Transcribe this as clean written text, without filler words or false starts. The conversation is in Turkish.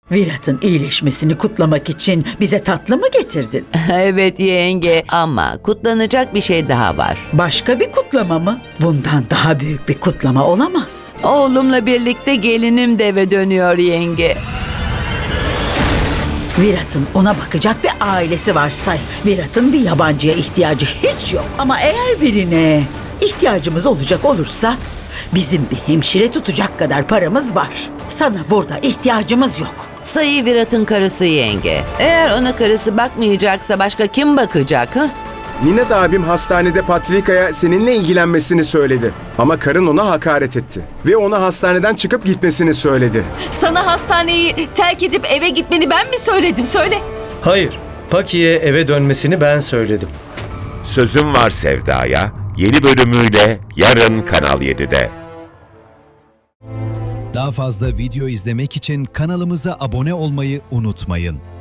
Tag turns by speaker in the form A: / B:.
A: Virat'ın iyileşmesini kutlamak için bize tatlı mı getirdin?
B: Evet yenge ama kutlanacak bir şey daha var.
A: Başka bir kutlama mı? Bundan daha büyük bir kutlama olamaz.
B: Oğlumla birlikte gelinim de eve dönüyor yenge.
A: Virat'ın ona bakacak bir ailesi var say. Virat'ın bir yabancıya ihtiyacı hiç yok. Ama eğer birine ihtiyacımız olacak olursa bizim bir hemşire tutacak kadar paramız var. Sana burada ihtiyacımız yok.
B: Sayı Virat'ın karısı yenge. Eğer ona karısı bakmayacaksa başka kim bakacak ha?
C: Ninet abim hastanede Patrika'ya seninle ilgilenmesini söyledi. Ama karın ona hakaret etti. Ve ona hastaneden çıkıp gitmesini söyledi.
D: Sana hastaneyi terk edip eve gitmeni ben mi söyledim? Söyle.
E: Hayır, Paki'ye eve dönmesini ben söyledim.
F: Sözüm Var Sevda'ya yeni bölümüyle yarın Kanal 7'de.
G: Daha fazla video izlemek için kanalımıza abone olmayı unutmayın.